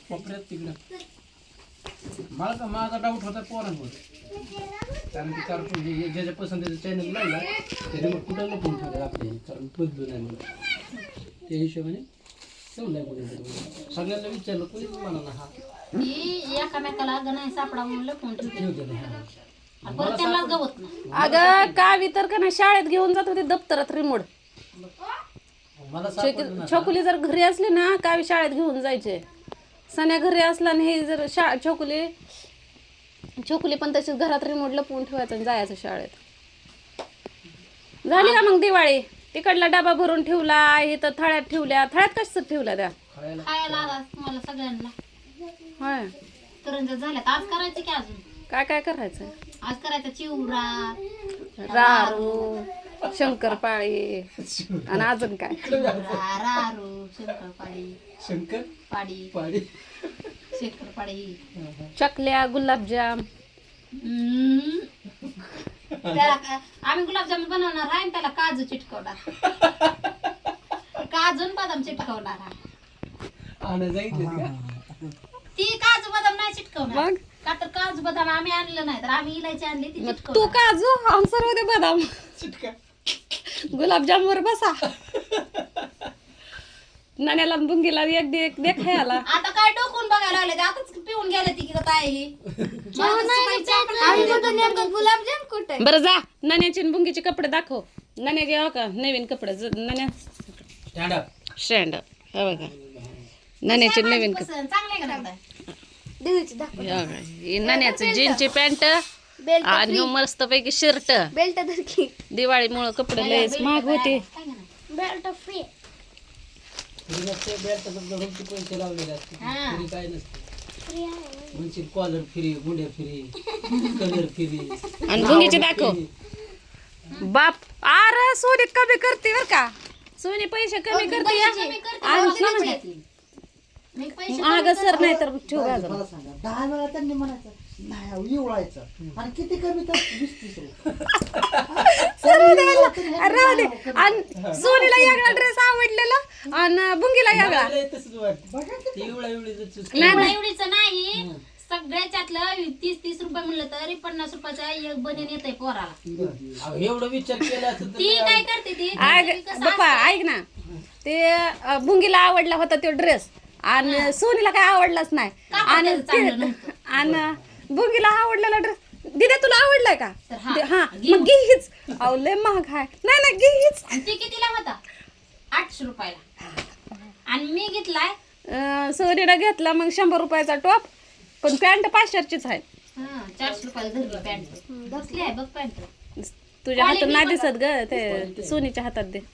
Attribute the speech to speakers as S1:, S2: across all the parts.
S1: कोपऱ्यात तिकडं मला माझा डाऊट होता पोरांवर कारण की कार्टून ज्याच्या पसंतीचं चॅनल लावला त्याने मग कुठं लपून ठेवलं आपले कारण बदलू नाही म्हणून त्या हिशोबाने ठेवलाय कोणी सगळ्यांना विचारलं कोणीच म्हणा ना हा
S2: एकामेकाला नाही सापडा म्हणून लपून ठेवते
S1: मला
S2: त्याला गवत नाही.
S3: अगं कावी तर का नाही शाळेत घेऊन जात होती दप्तरात रिमोट.
S1: मला सापडलं ना
S3: छोकुली जर घरी असली ना कावी शाळेत घेऊन जायचे. सण्या घरी असला आणि हे जर छोकुली पण तशीच घरात रिमोट लपवून ठेवायचं आणि जायचं शाळेत. झाली का मग दिवाळी? तिकडला डबा भरून ठेवला इथं थळ्यात ठेवल्या. थळ्यात कसं ठेवल्या त्या
S2: खायला आला तुम्हाला सगळ्यांना
S3: होय.
S2: करंजा झाल्यात आज करायचं की अजून
S3: काय काय करायचं?
S2: आज करायचा चिवडा
S3: रारू शंकरपाळी आणि अजून काय
S2: रारू शंकरपाळी पाडी शंकरपाळी
S3: चकल्या गुलाबजाम.
S2: त्याला आम्ही गुलाबजामुन बनवणार आहे आणि त्याला काजू चिटकवणार काजू आणि बदाम चिटकवणार आहे. ती काजू बदाम नाही चिटकवणार
S3: मग
S2: का तर काजू बदाम आम्ही आणलं नाही तर आम्ही इलायची आणली ती
S3: तू
S2: चिटकवणार.
S3: काजू आम सर्व दे बदाम गुलाबजाम वर बसा. नाण्याला बुंगीला एक दे खायला.
S2: आता काय डोकून बघायला लागले आताच पिऊन गेले ती की काय ही
S4: गुलाबजाम कुठे?
S3: बरं जा नाण्याची आणि बुंगीचे कपडे दाखव. नाण्या घ्यावं का नवीन कपडे नाण्या स्टँड हे बघा नाण्याचे नवीन कपडे
S2: चांगले का नाही?
S3: नाण्याचं जीनची पॅन्ट आणि मस्त पैकी शर्ट.
S4: बेल्ट धरकी
S3: दिवाळीमुळे कपडे लयच महाग होते.
S4: Belt free.
S1: पैसे लावलेले असते फ्री काय नसते म्हणशील कॉलर फ्री गुंड्या फ्री कलर फ्री
S3: आणि बुंगीचे दाखव. बाप अरे सोने कमी करते बर का सोने पैसे कमी करते महाग सर नाही तर
S5: मला सांगा 10 वेळा त्यांनी म्हणायचं नाही इवळायचं आणि किती कमी तर 20-30
S3: राहू दे. आणि सोनीला यागळा ड्रेस आवडलेला आणि बुंगीला यागळा
S1: तसंच वाटतं एवढा
S2: एवढीच नाही सगळ्याच्यातलं 30-30 रुपये म्हणलं तरी 50 रुपयाचा एक बनेन येतंय पोराला.
S1: एवढा विचार केला असता तर
S2: ती काय करते ती
S3: बाप्पा ऐक ना ते बुंगीला आवडला होता तो ड्रेस आणि सोनीला काय आवडलाच नाही आणि बुंगीला आवडलेला ड्रेस दिदे तुला आवडलाय का? हा मग घे हीच. अहो लय महाग आहे. नाही घे हीच.
S2: ती कितीला होता? 800 रुपयाला आणि मी घेतलाय
S3: सोनीला घेतला मग 100 रुपयाचा टॉप पण पॅन्ट 500चीच आहे.
S2: 400 रुपयाला धरली पॅन्ट कसली आहे बघ पॅन्ट
S3: तुझ्या हातात नाही दिसत ग ते सोनीच्या हातात दे.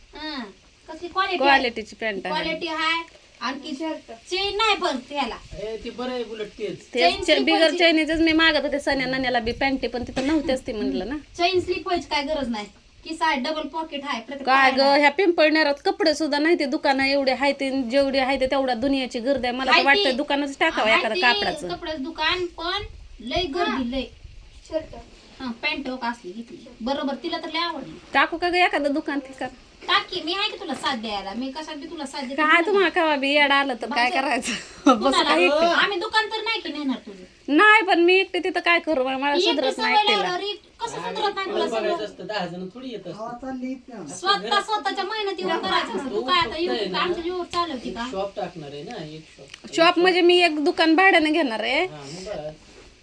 S2: कसली क्वालिटी
S3: क्वालिटीची पॅन्ट आहे.
S2: क्वालिटी आहे आणखी चेन नाही पण त्याला
S1: ते बरं आहे उलट तेच
S3: ते बिगर चायनीजच मी मागत होते सण्या नाण्याला बी पॅन्टी पण तिथं नव्हतेच ती म्हणलं ना.
S2: चेन स्लीप व्हायची काय गरज नाही किसा आहे डबल पॉकेट आहे प्रत्येक
S3: काय ग ह्या पिंपळनेरात कपडे सुद्धा नाही ते दुकानं एवढे आहे ते जेवढे आहे ते तेवढा दुनियाची गर्दी आहे. मला तर वाटतं दुकानच टाकावं एखादं कापडाचं.
S2: कपड्याचं दुकान पण लय गर्दी लय.
S4: शर्ट
S2: पॅन्ट असली घेतली बरोबर तिला तर लय आवडली.
S3: टाकू का ग एखादं दुकान ठिकाण?
S2: टाकी मी आहे की तुला साथ द्यायला मी कशात बी तुला साथ देते.
S3: काय तुम्हाला कवा बी येडा आलं तर काय करायचं बस काय
S2: आम्ही दुकान तर नाही की नेणार तुझं
S3: नाही पण मी एकटे तिथं काय करू मला सुधरत नाही एकटीला.
S2: कसं सुधरत नाही तुला सगळं?
S1: बघायचं असतं 10 जण थोडी येत असतं.
S2: स्वतःच्या मेहनतीवर करायचं असतं. तू काय आता YouTube आमच्या जीवर चालवती का?
S1: शॉप टाकणार आहे ना एक शॉप
S3: शॉप म्हणजे मी एक दुकान भाड्याने घेणार आहे
S1: हा मग बरं.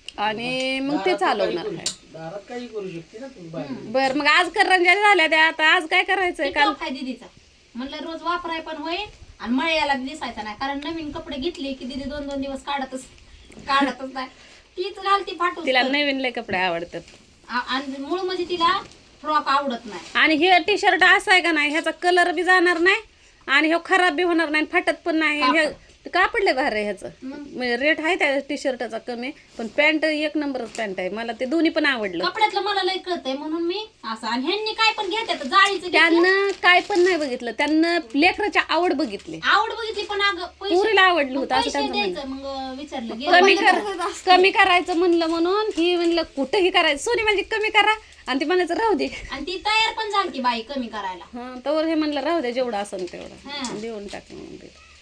S3: आणि मग ते चालवणार आहे.
S1: दारात काही करू शकते ना तू बाहेर.
S3: बर मग आज करंज्या झाल्या त्या आता आज काय करायचंय काल
S2: काय दीदीचा म्हणलं रोज वापराय पण होईल आणि मळ्याला दिसायचा नाही कारण नवीन कपडे घेतले की दीदी 2-2 दिवस काढतच नाही तीच घालती फाटू.
S3: तिला नवीन लय कपडे आवडतात
S2: आणि मूळ म्हणजे तिला फ्रॉक आवडत नाही.
S3: आणि हे टी शर्ट असं आहे का नाही ह्याचा कलर बी जाणार नाही आणि हे खराब बी होणार नाही फाटत पण नाही. हे कापड लय भारी आहे ह्याचं म्हणजे रेट आहे त्या टी शर्टाचा कमी पण पॅन्ट एक नंबरच पॅन्ट आहे. मला ते दोन्ही पण आवडलं.
S2: कपड्यातलं मला लय कळतंय म्हणून मी असं आणि ह्यांनी काय पण घेतात जाळीचं
S3: त्यांना काय पण नाही बघितलं त्यांना लेकराची आवड बघितली
S2: आवड बघितली पण अगं
S3: पुरीला आवडलं होतं असं
S2: पैसे
S3: त्यांचं म्हणणं.
S2: द्यायचं मग विचारलं
S3: कमी करायचं म्हणलं म्हणून ही म्हणलं कुठंही करायचं सोनी म्हणजे कमी करा आणि ती म्हणायचं राहू दे
S2: आणि ती तयार पण झाली बाई कमी करायला.
S3: हा तर हे म्हणलं राहू दे जेवढं असेल
S2: हा.
S3: तेवढं देऊन टाकलं म्हणून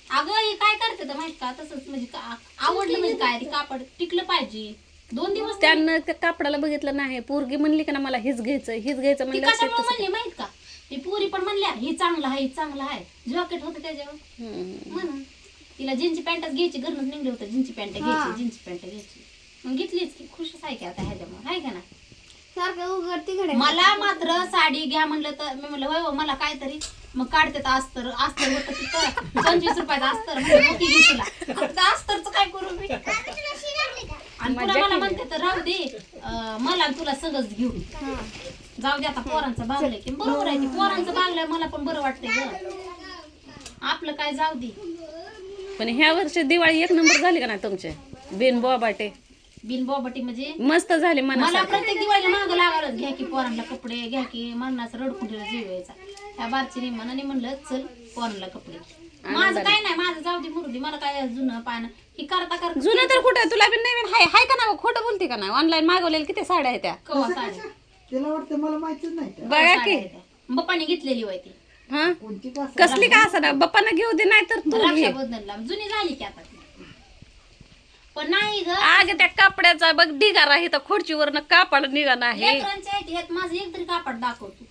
S2: अगं हे काय करते तर माहित का तसंच म्हणजे आवडलं म्हणजे काय ते कापड टिकलं पाहिजे 2 दिवस तरी.
S3: त्यानं त्या कापडाला बघितलं नाही पोरगी म्हणली का ना मला हेच घ्यायचं
S2: ती
S3: म्हणलं
S2: कशामुळे म्हणली माहित का ती पुरी पण म्हणल्या हे चांगलं आहे चांगलं आहे जॉकेट होतं त्याच्यावर म्हणून तिला जीन्सची पॅन्टच घ्यायची घरनच निघले होतं जीन्सची पॅन्ट घ्यायची जीन्सची पॅन्ट घ्यायची मग घेतलीच की खुशच आहे की आता ह्याच्यामुळे आहे का ना
S4: सारखं उघडती घडे
S2: मला मात्र साडी घ्या म्हणलं तर मी म्हणलं होय हो, मला काहीतरी मग काढते तर अस्तर होतं तिथं 25 रुपयाचं अस्तर म्हणलं मोठी घे तुला आता अस्तरचं काय करू मी आणि पुन्हा मला म्हणते तर राहू दे मला आणि तुला सगळंच घेऊ जाऊ दे आता पोरांचं बागलंय की बरोबर आहे की पोरांचं बागलंय मला पण बरं वाटतंय ग आपलं काय जाऊ दे
S3: पण ह्या वर्षी दिवाळी 1 नंबर झाली का नाही तुमचे बिन बोबाटे
S2: बिन बोबटी म्हणजे
S3: मस्त झाली
S2: मला
S3: मना
S2: प्रत्येक दिवाळीला महाग लागायलाच घ्या की पोरांना कपडे घ्या की मरणाचं रडकुंडीला जीव यायचा ह्या बारची मनाने म्हणलं चल पोरांना कपडे माझं काय नाही माझं जाऊ दे मुरुदी मला काय जुनं पान ही करता
S3: जुनं तर कुठं तुला बी नवीन हाय का ना खोटं बोलते का नाही ऑनलाईन मागवलेल्या किती साड्या आहेत त्या
S2: कवा साडी
S5: तिला वाटतं मला माहितीच नाही का
S3: बघा की
S2: बप्पाने घेतलेली होय ती
S3: हा
S5: कोणती का
S3: कसली का असं ना बाप्पानं घेऊ दे नाही तर तू घे
S2: रक्षाबंधनला जुनी झाली की आता ती. पण नाही ग
S3: आग त्या कापड्याचा बघ ढिगारा आहे तर खुर्चीवरनं कापड निघा नाही
S2: लेकरांच्या आहेत ह्यात माझं एक तरी कापड दाखवतो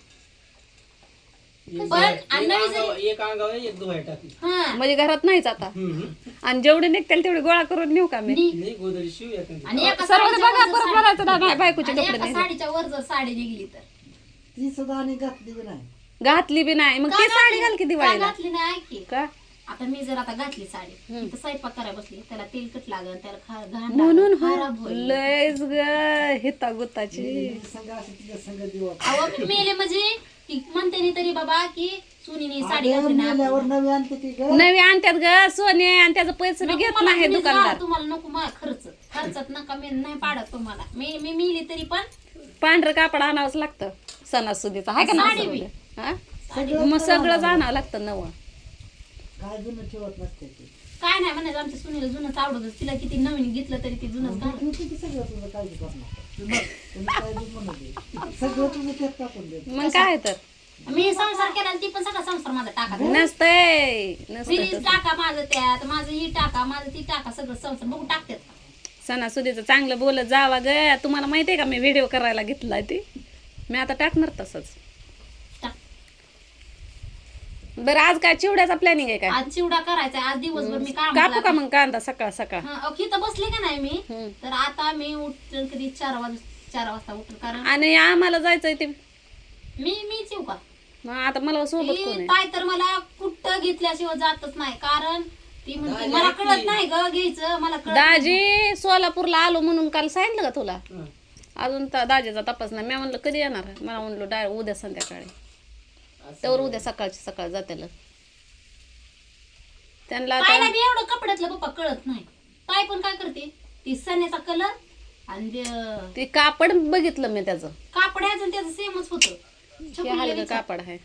S2: पण आणि नवी जरी
S1: एक अंगावर एक धुवाय टाकली
S2: हा
S3: म्हणजे घरात नाहीच आता आणि जेवढे निघतील तेवढे गोळा करून नेऊ का मी
S1: नाही गोदरी शिव एखादी
S2: आणि एका
S3: सर्व
S2: साडीच्या
S3: बघा
S2: वर जर
S3: परत
S2: साडी-
S3: म्हणायचं ना, नाही बायकोचे
S2: आणि
S3: कपडे
S2: एका
S3: नाही
S2: साडीच्या वर जर साडी निघली तर
S5: ती सुद्धा आणि घातली बी नाही
S3: घातली बी नाही मग
S2: का
S3: ती साडी
S2: घातली?
S3: घाल की
S2: का
S3: दिवाळीला
S2: घातली नाही ऐक की.
S3: का
S2: आता मी जर आता घातली साडी तर स्वयंपाक करायला बसली त्याला तेलकट लागल त्याला घाण
S3: म्हणून
S2: लागल, खराब होईल
S3: लयच ग हिता गुताची
S5: संघ असं तिच्या संघ दिवस
S2: अहो मी मेले म्हणजे ती म्हणते नी तरी बाबा की सुनीने साडी घातली नाही
S5: मेल्यावर नवी आणते ती ग
S3: नवी आणत्यात ग सोने आणि त्याचं पैसे बी
S2: नको
S3: घेत
S2: मला
S3: नाही
S2: तुम्ही
S3: दुकानदार
S2: जा, तुम्हाला नको मला खर्चात नका मी नाही पाडत तुम्हाला मी मिली तरी पण
S3: पांढरं कापड आणावंच लागतं सणासुदीचं आहे का
S2: साडी
S3: ना
S2: बी.
S3: हा? मग सगळंच आणावं लागतं नवं
S5: काय जुनं ठेवत नसते ती
S2: काय नाही म्हणायचं आमच्या सुनीला जुनंच आवडत तिला किती नवीन घेतलं तरी ती जुनंच घालत
S5: तू किती सगळं तुझं काळजी करणार तुम्ही काय बी म्हणू दे सगळं तुझं त्यात टाकून दे
S3: मग काय तर
S2: मी संसार केला आणि ती पण सगळा संसार माझा टाका
S3: नसतंय
S2: फ्रीज
S3: नसतंय
S2: टाका माझं त्यात माझं ही टाका माझं ती टाका सगळं संसार बघू टाकतात का?
S3: सणासुदीचं चांगलं बोलत जावा ग तुम्हाला माहितीये का मी व्हिडिओ करायला घेतलाय ती मी आता टाकणार तसंच
S2: टाक.
S3: बरं आज काय चिवड्याचा प्लॅनिंग आहे काय
S2: आज चिवडा करायचा आज दिवसभर मी काम
S3: कापू का मग कांदा सकाळ सकाळ
S2: इथं बसले का नाही मी
S3: हम्म.
S2: तर आता मी उठल कधी 4 वाजता उठल कारण
S3: आणि आम्हाला जायचंय ते
S2: मीच येऊ का
S3: मग आता मला सोबत कोण
S2: ती
S3: आहे
S2: ताई तर मला कुठं घेतल्याशिवाय जातच नाही कारण ती म्हणते मला कळत नाही ग घ्यायचं मला कळत नाही.
S3: दाजी सोलापूरला आलो म्हणून काल सांगितलं का तुला अजून दाजीचा तपास नाही मी म्हणलं कधी येणार मला म्हणलो डायरेक्ट उद्या संध्याकाळी त्यावर उद्या सकाळची सकाळ जातेल त्यांना
S2: ताईला
S3: आता
S2: बी एवढं कपड्यातलं पप्पा कळत नाही ताई पण काय करते ती सण्याचा कलर आणि
S3: ते कापड बघितलं मी त्याचं
S2: कापड्याचं त्याचं सेमच होतं
S3: हे हलकं कापड आहे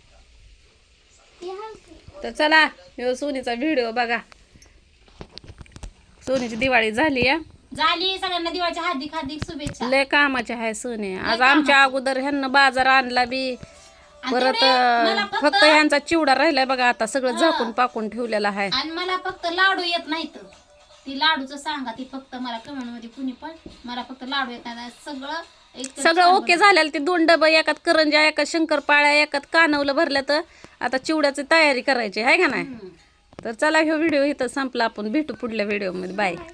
S3: तर चला ह्यो सोनीचा व्हिडिओ बघा सोनीची दिवाळी झाली या
S2: झाली सगळ्यांना दिवाळीच्या हार्दिक हार्दिक शुभेच्छा
S3: लय कामाचे आहे सोने आज आमच्या अगोदर ह्यांना बाजार आणला बी परत
S2: तेवढे मला
S3: फक्त ह्यांचा चिवडा राहिलाय बघा आता सगळं झाकून पाकून ठेवलेलं आहे
S2: आणि मला फक्त लाडू येत नाहीत ती लाडूचं सांगा ती फक्त मला कमेंट मध्ये कुणी पण मला फक्त लाडू येत नाही सगळं एक
S3: सगळं ओके झालेलं ते 2 डबे एकात करंजा एकात शंकरपाळ्या एकात कानवलं भरल्या तर आता चिवड्याची तयारी करायची आहे का नाही तर चला ह्यो व्हिडिओ इथं संपला आपण भेटू पुढल्या व्हिडिओमध्ये बाय